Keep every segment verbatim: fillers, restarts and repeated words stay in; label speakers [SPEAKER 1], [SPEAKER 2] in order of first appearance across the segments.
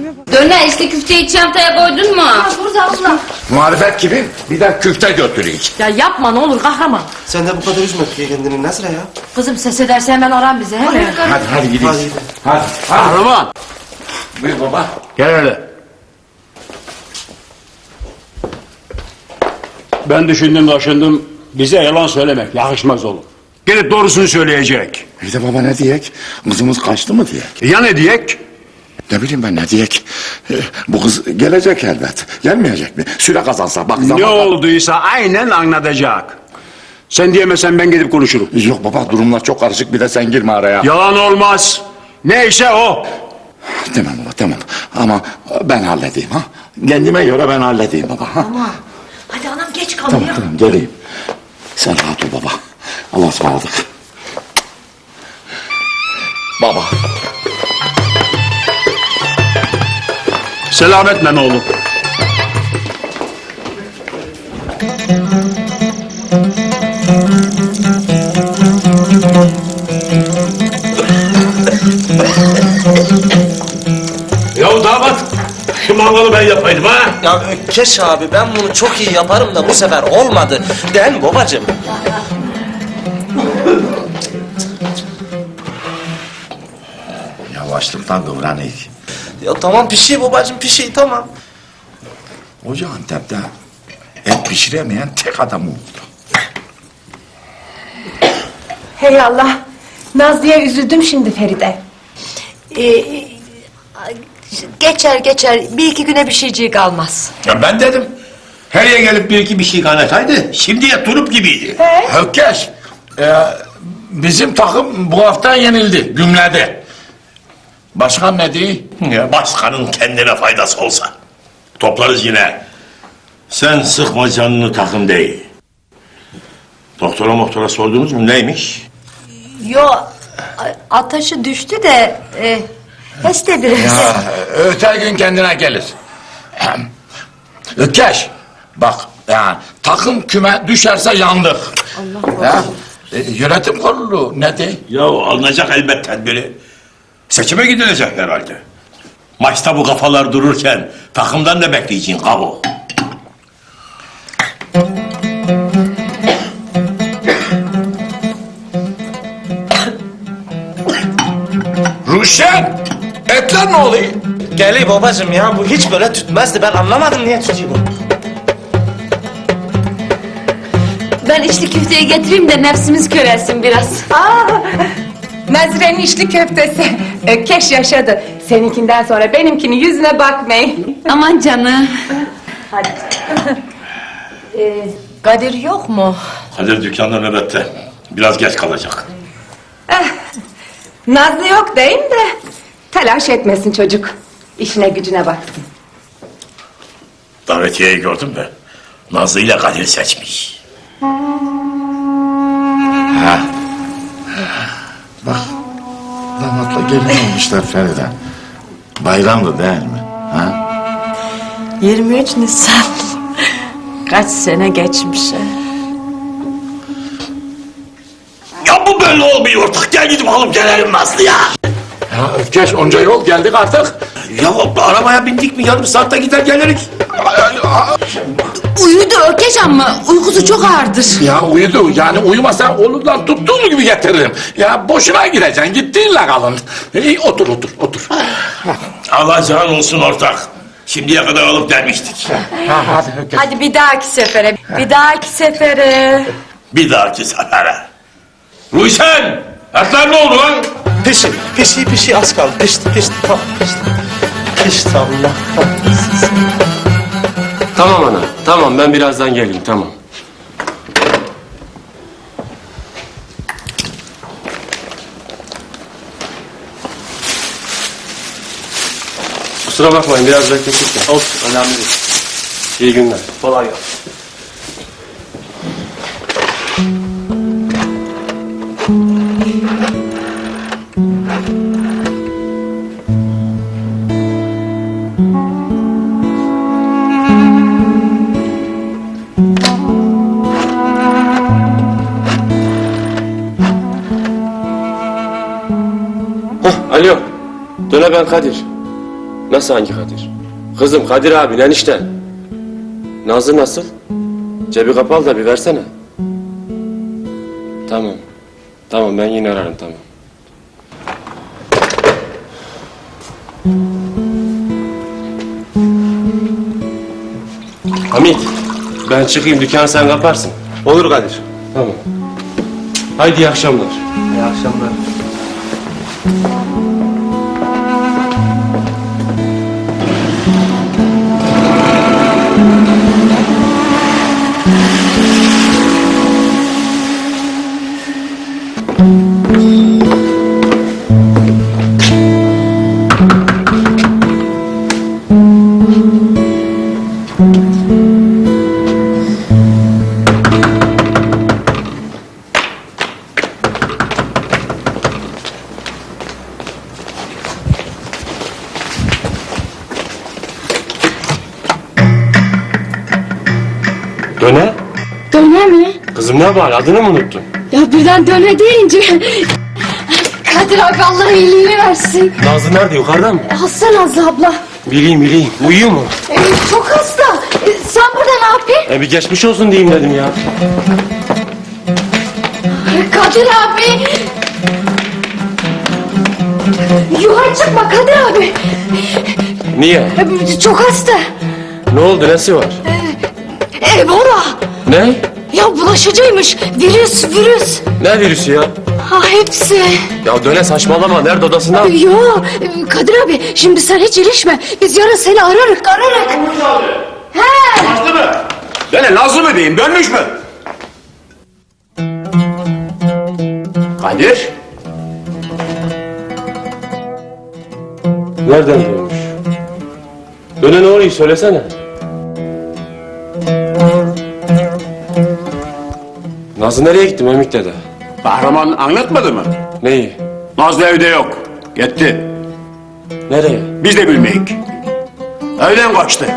[SPEAKER 1] Döner işte küfteyi çantaya koydun mu?
[SPEAKER 2] Ha, burada abla.
[SPEAKER 3] Muharefet gibi bir de küfte götüreyim.
[SPEAKER 4] Ya yapma ne olur kahraman.
[SPEAKER 5] Sen de bu kadar üzme kendini Nazire ya.
[SPEAKER 4] Kızım ses ederse hemen aran bizi he mi?
[SPEAKER 3] Hadi hadi gidelim.
[SPEAKER 5] Hadi.
[SPEAKER 3] Hadi. hadi.
[SPEAKER 6] Kahraman.
[SPEAKER 3] Buyur baba.
[SPEAKER 6] Gel öyle. Ben düşündüm taşındım. Bize yalan söylemek yakışmaz oğlum. Gelip doğrusunu söyleyecek.
[SPEAKER 3] Bir de baba ne diyek? Kızımız kaçtı mı diyek?
[SPEAKER 6] Ya ne diyek?
[SPEAKER 3] Ne bileyim ben ne diyek? Ee, Bu kız gelecek elbet. Gelmeyecek mi? Süre kazansa bak zaman...
[SPEAKER 6] Ne olduysa aynen anlatacak. Sen diyemesen ben gidip konuşurum.
[SPEAKER 3] Yok baba durumlar çok karışık bir de sen girme araya.
[SPEAKER 6] Yalan olmaz. Neyse o.
[SPEAKER 3] Tamam baba tamam. Ama ben halledeyim ha. Kendime göre ben halledeyim baba. Ha?
[SPEAKER 4] Tamam. Hadi anam geç kalıyor.
[SPEAKER 3] Tamam tamam geleyim. Sen rahat ol baba. Allah'a ısmarladık. Baba.
[SPEAKER 6] Selametle oğlum.
[SPEAKER 7] Ya damat, şu mangalı ben yapaydım ha?
[SPEAKER 5] Ya Ökkeş abi ben bunu çok iyi yaparım da bu sefer olmadı. Değil mi babacığım?
[SPEAKER 3] Yavaşlıktan kıvranayım.
[SPEAKER 5] Ya tamam pişiyor babacığım pişiyor tamam.
[SPEAKER 3] Hoca Antep'te et pişiremeyen tek adam oldu.
[SPEAKER 2] Hey Allah. Nazlı'ya üzüldüm şimdi Feride.
[SPEAKER 4] Ee, geçer geçer bir iki güne bir şeyciği kalmaz.
[SPEAKER 7] Ya ben dedim. Her yere gelip bir iki bir şey kaynataydı. Şimdiye turup gibiydi.
[SPEAKER 3] Hökkeş, e, bizim takım bu hafta yenildi, gümledi. Başkan ne diyor?
[SPEAKER 7] Ya başkanın kendine faydası olsa. Toplarız yine. Sen sıkma canını takım değil. Doktora moktora sordunuz mu neymiş?
[SPEAKER 4] Yo ateşi düştü de e, heste biraz.
[SPEAKER 3] Ya, öte gün kendine gelir. Hökkeş, bak yani takım küme düşerse yandık. Allah ya, e, yönetim kurulu ne diyor?
[SPEAKER 7] Ya alınacak elbet tedbiri. Seçime gidilecek herhalde. Maçta bu kafalar dururken takımdan ne bekleyeceksin kabo?
[SPEAKER 3] Ruşen, etler ne oluyor?
[SPEAKER 5] Geliyor babacığım ya bu hiç böyle tütmezdi ben anlamadım niye tutuyor bu.
[SPEAKER 1] Ben içli küfteyi getireyim de nefsimiz körelsin biraz.
[SPEAKER 2] Aa, Nazire'nin içli köftesi. Ökkeş yaşadı. Seninkinden sonra benimkinin yüzüne bakmayın.
[SPEAKER 1] Aman canım.
[SPEAKER 4] Ee, Kadir yok mu?
[SPEAKER 7] Kadir dükkanda nöbette. Biraz geç kalacak.
[SPEAKER 2] Nazlı yok değil mi de? Telaş etmesin çocuk. İşine gücüne baksın.
[SPEAKER 7] Davetiyeyi gördüm de Nazlı ile Kadir seçmiş.
[SPEAKER 3] Bak, damatla gelin olmuşlar Feride. Bayramdı değil mi? Ha?
[SPEAKER 4] yirmi üç Nisan. Kaç sene geçmiş.
[SPEAKER 7] Ya bu böyle olmuyor artık. Gel gidip alıp gelelim Nazlı ya.
[SPEAKER 3] Ya Ökkeş onca yol geldik artık.
[SPEAKER 7] Ya arabaya bindik mi yarım saatte gider geliriz.
[SPEAKER 1] Uyudu Ökeş ama uykusu çok ağırdır.
[SPEAKER 3] Ya uyudu yani uyumasa olurdan tuttuğum gibi getiririm. Ya boşuna gideceksin gittiğinle kalın. İyi, otur otur otur.
[SPEAKER 7] Alacağın olsun ortak. Şimdiye kadar alıp gelmiştik.
[SPEAKER 3] Ha, hadi Ökkeş.
[SPEAKER 4] Hadi bir dahaki sefere. Bir dahaki sefere.
[SPEAKER 7] Bir dahaki sefere. Ruysen! Etler ne oldu lan?
[SPEAKER 5] Pişi pişi pişi az kaldı pişti pişti tamam pişti. Pişti Allah kahretsin.
[SPEAKER 8] Tamam ana, tamam ben birazdan geleyim, tamam. Kusura bakmayın, biraz beklettik de. Olsun, önemli değil. İyi günler. Kolay gelsin. Hah, alo. Döne ben Kadir. Nasıl hangi Kadir? Kızım Kadir abi enişte. Nazlı nasıl? Cebi kapalı da bir versene. Tamam. Tamam ben yine ararım tamam. Hamit, ben çıkayım dükkanı sen kaparsın.
[SPEAKER 5] Olur Kadir.
[SPEAKER 8] Tamam. Haydi iyi akşamlar.
[SPEAKER 5] İyi akşamlar.
[SPEAKER 8] Döne?
[SPEAKER 1] Döne mi?
[SPEAKER 8] Kızım ne var adını mı unuttun?
[SPEAKER 1] Ya birden döne deyince... Kadir abi Allah iyiliğini versin.
[SPEAKER 8] Nazlı nerede yukarıda mı?
[SPEAKER 1] Hasta Nazlı abla.
[SPEAKER 8] Bileyim bileyim. Uyuyor mu?
[SPEAKER 1] Ee, çok hasta. Ee, sen burada ne yapıyorsun?
[SPEAKER 8] E bir geçmiş olsun diyeyim dedim ya.
[SPEAKER 1] Kadir abi. Yukarı çıkma Kadir abi.
[SPEAKER 8] Niye?
[SPEAKER 1] Ee, Çok hasta.
[SPEAKER 8] Ne oldu nesi var?
[SPEAKER 1] Ebola.
[SPEAKER 8] Ne?
[SPEAKER 1] Ya bulaşıcıymış. Virüs, virüs.
[SPEAKER 8] Ne virüsü ya?
[SPEAKER 1] Ha hepsi.
[SPEAKER 8] Ya döne saçmalama nerede odasında?
[SPEAKER 1] Yo Kadir abi şimdi sen hiç ilişme. Biz yarın seni ararık ararık. He.
[SPEAKER 6] Nazlı mı? Döne Nazlı mı diyeyim dönmüş mü? Kadir.
[SPEAKER 8] Nereden dönmüş? Döne ne oluyor söylesene. Nazlı nereye gitti Memik dede?
[SPEAKER 6] Kahraman anlatmadı mı?
[SPEAKER 8] Neyi?
[SPEAKER 6] Nazlı evde yok. Gitti.
[SPEAKER 8] Nereye?
[SPEAKER 6] Biz de bilmeyik. Evden kaçtı.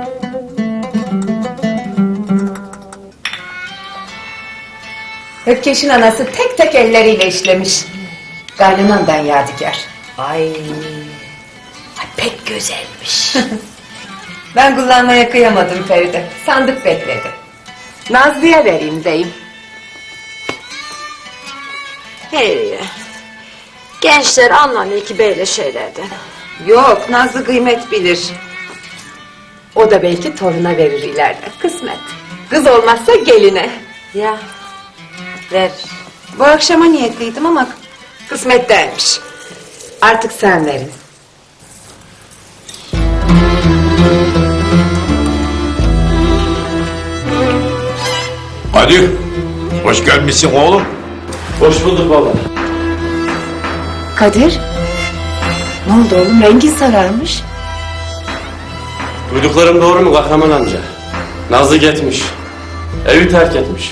[SPEAKER 2] Ökkeş'in anası tek tek elleriyle işlemiş. Gaynanamdan yadigar.
[SPEAKER 4] Ay, ay pek güzelmiş.
[SPEAKER 2] Ben kullanmaya kıyamadım Feride. Sandık bekledi. Nazlı'ya vereyim deyim.
[SPEAKER 4] Hey, gençler anlamıyor ki böyle şeylerden.
[SPEAKER 2] Yok, Nazlı kıymet bilir. O da belki toruna verir ileride. Kısmet. Kız olmazsa geline.
[SPEAKER 4] Ya, ver.
[SPEAKER 2] Bu akşama niyetliydim ama kısmet değilmiş. Artık sen verin.
[SPEAKER 3] Kadir, hoş gelmişsin oğlum.
[SPEAKER 8] Hoş bulduk baba.
[SPEAKER 2] Kadir. Ne oldu oğlum? Rengin sararmış.
[SPEAKER 8] Duyduklarım doğru mu Kahraman amca? Nazlı gitmiş. Evi terk etmiş.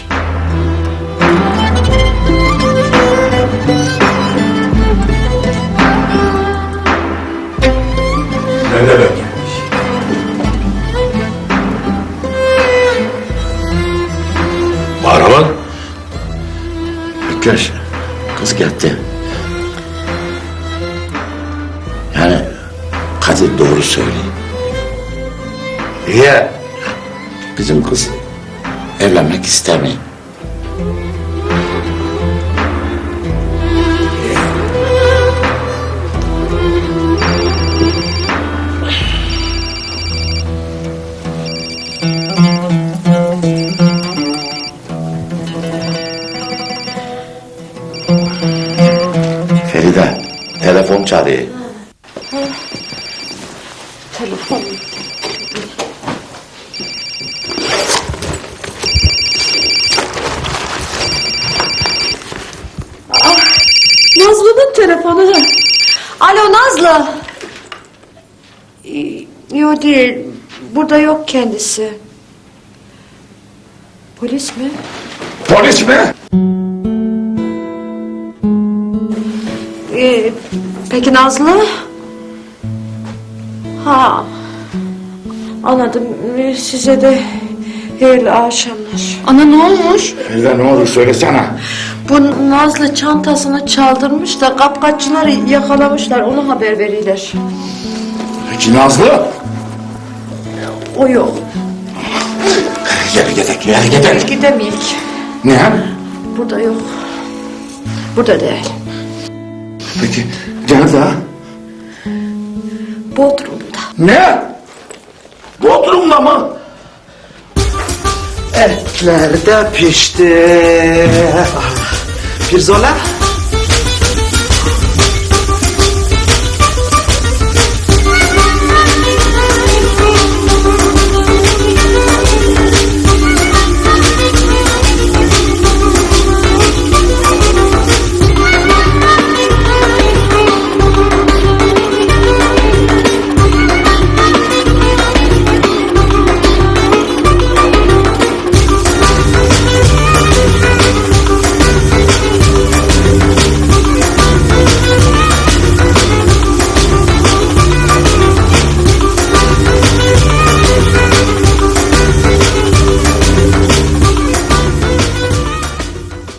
[SPEAKER 7] Ne demek? Kahraman.
[SPEAKER 3] Ökkeş, kız gitti. Yani Kadir doğru söylüyor.
[SPEAKER 7] Niye?
[SPEAKER 3] Bizim kız evlenmek istemiyor. Feride, telefon çalıyor.
[SPEAKER 4] Nazlı'nın telefonu. Alo Nazlı. Ee, Yok değil. Burada yok kendisi. Polis mi?
[SPEAKER 3] Polis mi?
[SPEAKER 4] Ee, peki Nazlı? Ha. Anladım. Ee, Size de hayırlı akşamlar.
[SPEAKER 1] Ana ne olmuş?
[SPEAKER 3] Feride ne olur söylesene.
[SPEAKER 4] Bu Nazlı çantasını çaldırmış da kapkaççılar yakalamışlar. Onu haber verirler.
[SPEAKER 3] Peki Nazlı?
[SPEAKER 4] O yok.
[SPEAKER 3] Geri gidelim, geri gidelim.
[SPEAKER 4] Gidemeyik.
[SPEAKER 3] Ne?
[SPEAKER 4] Burada yok. Burada değil.
[SPEAKER 3] Peki, nerede?
[SPEAKER 4] Bodrum'da.
[SPEAKER 3] Ne? Bodrum'da mı?
[SPEAKER 5] Etler de pişti. Pirzola